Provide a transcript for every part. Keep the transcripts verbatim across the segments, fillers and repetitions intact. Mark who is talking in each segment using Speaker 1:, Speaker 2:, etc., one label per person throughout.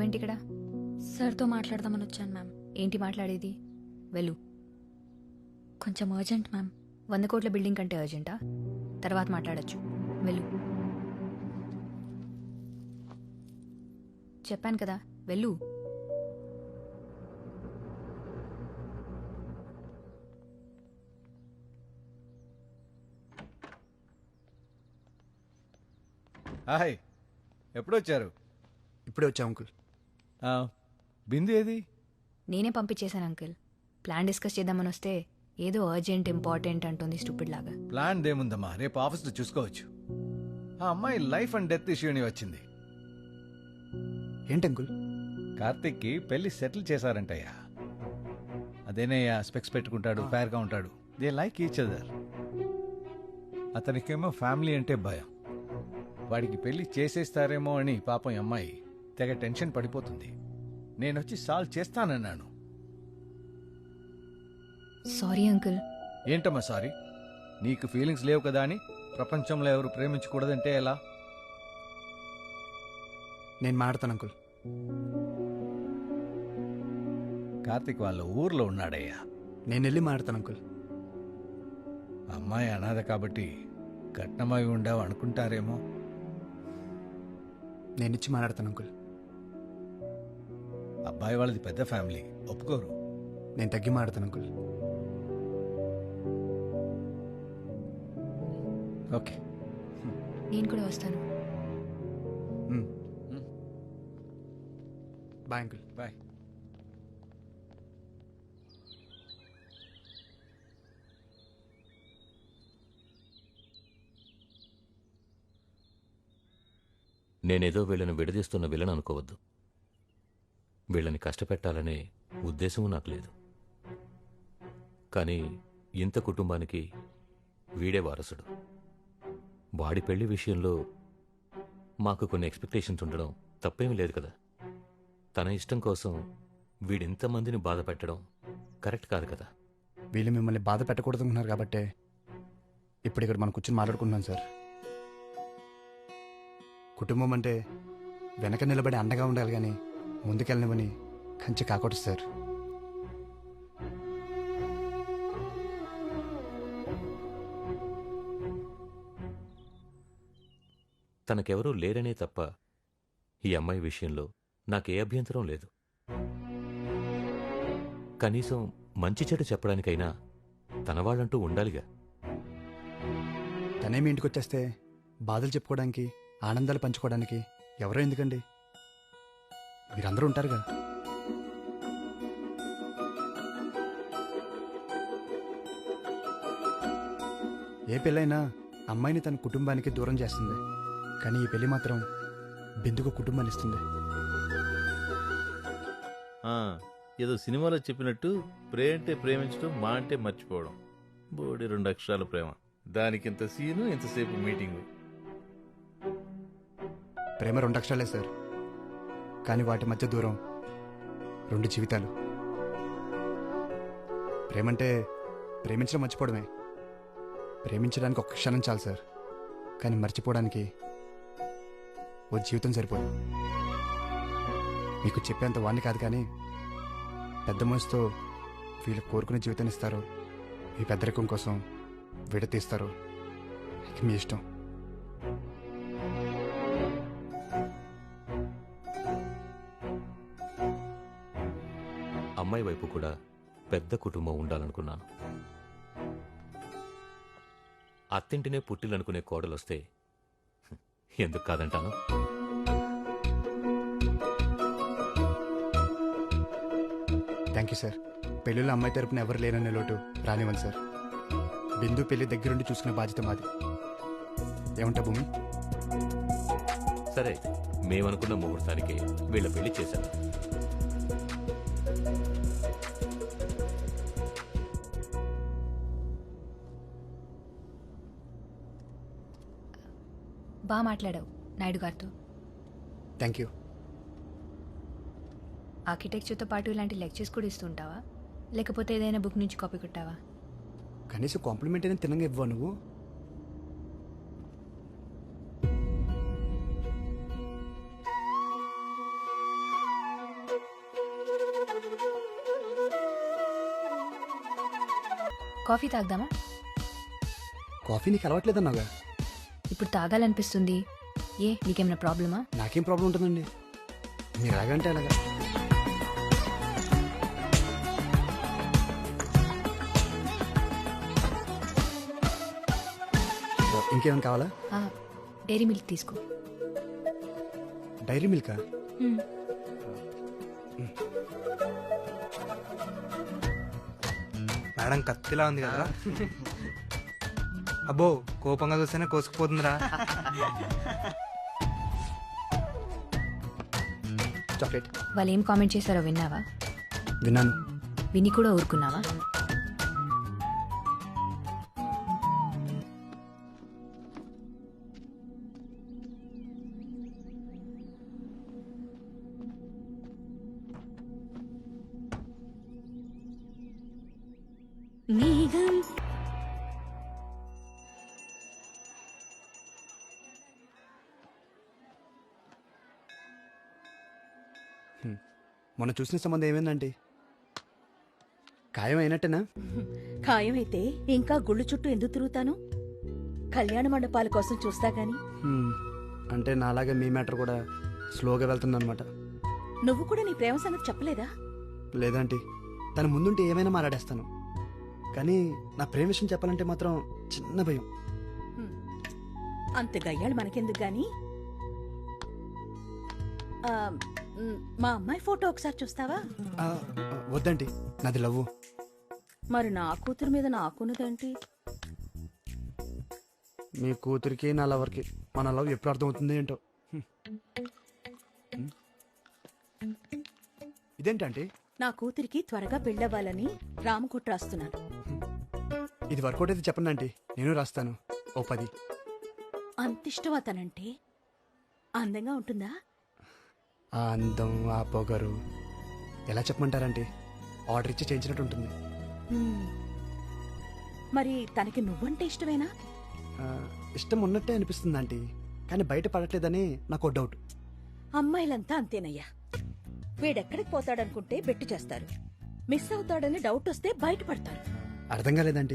Speaker 1: నువ్వేంటి ఇక్కడ?
Speaker 2: సార్తో మాట్లాడదామని వచ్చాను మ్యామ్.
Speaker 1: ఏంటి మాట్లాడేది? వెళ్ళు.
Speaker 2: కొంచెం అర్జెంట్ మ్యామ్.
Speaker 1: వంద కోట్ల బిల్డింగ్ కంటే అర్జెంటా? తర్వాత మాట్లాడచ్చు. వెళ్ళు. చెప్పాను కదా, వెళ్ళు.
Speaker 3: హాయ్, ఎప్పుడొచ్చారు?
Speaker 4: ఇప్పుడే వచ్చా అంకుల్.
Speaker 3: ఆ, బిందు ఏది?
Speaker 1: నేనే పంపించేశాను అంకుల్. ప్లాన్ డిస్కస్ చేద్దామని వస్తే ఏదో అర్జెంట్ ఇంపార్టెంట్ అంటుంది స్టూపిడ్ లాగా.
Speaker 3: ప్లాన్ దేముందమ్మా, రేపు ఆఫీస్లో చూసుకోవచ్చు. ఆ అమ్మాయి లైఫ్ అండ్ డెత్ ఇష్యూని వచ్చింది.
Speaker 4: ఏంటి అంకుల్?
Speaker 3: కార్తిక్కి పెళ్లి సెటిల్ చేశారంటయ్యా. అదేనయ్యా, స్పెక్స్ పెట్టుకుంటాడు, ఫేర్గా ఉంటాడు. They like each other. అతనికేమో ఫ్యామిలీ అంటే భయం. వాడికి పెళ్లి చేసేస్తారేమో అని పాపం ఈ అమ్మాయి తెగ టెన్షన్ పడిపోతుంది. నేనొచ్చి సాల్వ్ చేస్తానన్నాను.
Speaker 1: Sorry uncle.
Speaker 3: ఏంటమ్మా సారీ? నీకు ఫీలింగ్స్ లేవు కదా అని ప్రపంచంలో ఎవరు ప్రేమించకూడదంటే ఎలా?
Speaker 4: నేను మాట్లాడతాను అంకుల్.
Speaker 3: కార్తిక్ వాళ్ళ ఊర్లో ఉన్నాడయ్యా.
Speaker 4: నేను వెళ్ళి మాట్లాడతాను అంకుల్.
Speaker 3: అమ్మాయి అనాథ కాబట్టి కట్నమై ఉండవు అనుకుంటారేమో.
Speaker 4: నేను ఇచ్చి మాట్లాడతాను అంకుల్.
Speaker 3: అబ్బాయి వాళ్ళది పెద్ద ఫ్యామిలీ, ఒప్పుకోరు.
Speaker 4: నేను తగ్గి మాట్లాడతాను అంకుల్.
Speaker 3: ఓకే,
Speaker 1: నేను కూడా వస్తాను.
Speaker 4: Bye uncle.
Speaker 3: బాయ్.
Speaker 5: నేనేదో వీళ్ళని విడదీస్తున్న విలన్ అనుకోవద్దు. వీళ్ళని కష్టపెట్టాలనే ఉద్దేశము నాకు లేదు. కానీ ఇంత కుటుంబానికి వీడే వారసుడు. వాడి పెళ్లి విషయంలో మాకు కొన్ని ఎక్స్పెక్టేషన్స్ ఉండడం తప్పేమీ లేదు కదా. తన ఇష్టం కోసం వీడింతమందిని బాధ పెట్టడం కరెక్ట్ కాదు కదా.
Speaker 4: వీళ్ళు మిమ్మల్ని బాధ పెట్టకూడదు అనుకున్నారు కాబట్టే ఇప్పుడు ఇక్కడ మనం కూర్చొని మాట్లాడుకుంటున్నాం సార్. కుటుంబం అంటే వెనక నిలబడి అండగా ఉండాలి కానీ ముందుకెళ్ళనివని కంచి కాకూడదు సార్.
Speaker 5: తనకెవరూ లేరనే తప్ప ఈ అమ్మాయి విషయంలో నాకే అభ్యంతరం లేదు. కనీసం మంచి చెడు చెప్పడానికైనా తన వాళ్ళంటూ ఉండాలిగా.
Speaker 4: తనేమి ఇంటికి వచ్చేస్తే బాధలు చెప్పుకోవడానికి, ఆనందాలు పంచుకోవడానికి ఎవరో ఎందుకండి? మీరందరూ ఉంటారుగా. ఏ పెళ్ళైనా అమ్మాయిని తన కుటుంబానికి దూరం చేస్తుంది, కానీ ఈ పెళ్లి మాత్రం బిందుకు కుటుంబాన్ని ఇస్తుంది.
Speaker 6: ఏదో సినిమాలో చెప్పినట్టు ప్రేమ అంటే ప్రేమించడం, మా అంటే మర్చిపోవడం. బోడి రెండు అక్షరాల ప్రేమ, దానికి ఇంత సీను, ఇంతసేపు మీటింగు.
Speaker 4: ప్రేమ రెండు అక్షరాలే సార్, కానీ వాటి మధ్య దూరం రెండు జీవితాలు. ప్రేమంటే ప్రేమించడం మర్చిపోవడమే. ప్రేమించడానికి ఒక్క క్షణం చాలు సార్, కానీ మర్చిపోవడానికి ఓ జీవితం సరిపోదు. మీకు చెప్పేంత వాణ్ణి కాదు, కానీ పెద్ద మనసుతో వీళ్ళు కోరుకునే జీవితాన్ని ఇస్తారు, మీ పెద్దరికం కోసం విడతీస్తారు. ఇక మీ ఇష్టం.
Speaker 5: అమ్మాయి వైపు కూడా పెద్ద కుటుంబం ఉండాలనుకున్నాను. అత్తింటినే పుట్టిలనుకునే కోడలొస్తే ఎందుకు కాదంటాను.
Speaker 4: Thank you sir. పెళ్ళిలో అమ్మాయి తరపున ఎవరు లేననే లోటు రానివ్వండి సార్. బిందు పెళ్లి దగ్గరుండి చూసుకునే బాధ్యత మాది. ఏమంటా భూమి?
Speaker 5: సరే, మేమనుకున్న ముహూర్తానికి వీళ్ళ పెళ్లి చేశాను.
Speaker 1: బాగా మాట్లాడావు నాయుడు గారితో.
Speaker 4: Thank you.
Speaker 1: ఆర్కిటెక్చర్తో పాటు ఇలాంటి లెక్చర్స్ కూడా ఇస్తుంటావా, లేకపోతే ఏదైనా బుక్ నుంచి కాపీ కొట్టావా?
Speaker 4: కనీసం కాంప్లిమెంట్ అయినా తినంగా ఇవ్వవా నువ్వు?
Speaker 1: కాఫీ తాగదామా?
Speaker 4: కాఫీ నీకు అలవాట్లేదన్నావుగా.
Speaker 1: ఇప్పుడు తాగాలనిపిస్తుంది. ఏ నీకేమైనా ప్రాబ్లమా?
Speaker 4: నాకేం ప్రాబ్లం ఉంటుందండి, మీరు ఎలాగంటే అలాగా. ఇంకేమైనా కావాలా?
Speaker 1: ఆ, డైరీ మిల్క్ తీసుకో.
Speaker 4: డైరీ మిల్కా?
Speaker 1: మ్మ్.
Speaker 7: మేడం కత్తిలా ఉంది కదా. అబ్బో కోపంగా చూస్తేనే కోసుకుపోతుందిరా.
Speaker 4: చాక్లెట్.
Speaker 1: వాళ్ళు ఏం కామెంట్ చేశారో విన్నావా?
Speaker 4: విన్నాను.
Speaker 1: విని కూడా ఊరుకున్నావా? మేఘం
Speaker 4: మొన్న చూసిన సంబంధం ఏమైందండి? ఖాయం అయినట్టేనా?
Speaker 8: ఖాయమైతే ఇంకా గుళ్ళు చుట్టూ ఎందుకు తిరుగుతాను? కళ్యాణ మండపాల కోసం చూస్తా గాని.
Speaker 4: హ్మ్. అంటే నాలాగే మీ మ్యాటర్ కూడా స్లోగా వెళ్తుందన్నమాట.
Speaker 8: నువ్వు కూడా నీ ప్రేమ సంగతి చెప్పలేదా?
Speaker 4: లేదంటే తన ముందుంటే ఏమైనా మాట్లాడేస్తాను, కానీ నా ప్రేమ విషయం చెప్పాలంటే మాత్రం చిన్న భయం.
Speaker 8: హ్మ్. అంత గయ్యాళ్ళు మనకెందుకు గాని. ఆ, మ్, మా అమ్మాయి ఫోటో ఒకసారి చూస్తావా?
Speaker 4: ఆ, వద్దండి, నాది లవ్వు.
Speaker 8: మరి నా కూతురు మీద నాకున్నదేంటి?
Speaker 4: మీ కూతురికి నా లవర్కి మన లవ్ ఎప్పుడు అర్థమవుతుంది ఏంటో. హ్మ్. హ్మ్. ఇదేంటంటే
Speaker 8: నా కూతురికి త్వరగా పెళ్ళవ్వాలని రామకుట్ర రాస్తున్నాను.
Speaker 4: ఇది వర్కౌట్ అయితే చెప్పండి ఆంటీ, నేను రాస్తాను ఓ పది.
Speaker 8: అంతిష్టం అతనంటే. అందంగా ఉంటుందా?
Speaker 4: ఆ అందం, ఆ పొగరు ఎలా చెప్పమంటారంటే ఆర్డర్ ఇచ్చి చేయించినట్టు ఉంటుంది.
Speaker 8: హ్మ్. మరి తనకి నువ్వంటే ఇష్టమేనా?
Speaker 4: ఆ, ఇష్టం ఉన్నట్టే అనిపిస్తుంది ఆంటీ, కానీ బయట పడట్లేదని నాకు ఓ డౌట్.
Speaker 8: అమ్మాయిలంతా అంతేనయ్యా. వీడెక్కడికి పోతాడనుకుంటే బెట్టు చేస్తారు, మిస్ అవుతాడని డౌట్ వస్తే బయటపడతారు.
Speaker 4: అర్థం కాలేదండి.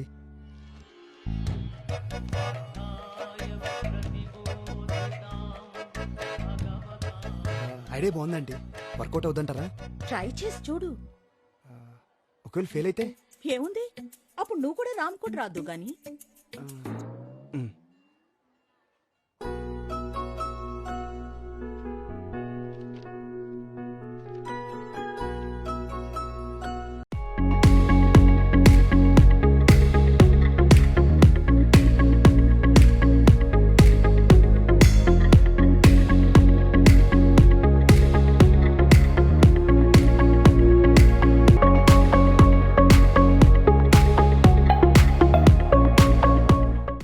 Speaker 4: ఐడియా బాగుందండి, వర్కౌట్ అవుతుంటారా?
Speaker 8: ట్రై చేసి చూడు.
Speaker 4: ఒకవేళ ఫెయిల్ అయితే
Speaker 8: ఏముంది, అప్పుడు నువ్వు కూడా రామ్కోట్ రాదు గాని.
Speaker 4: ఆ,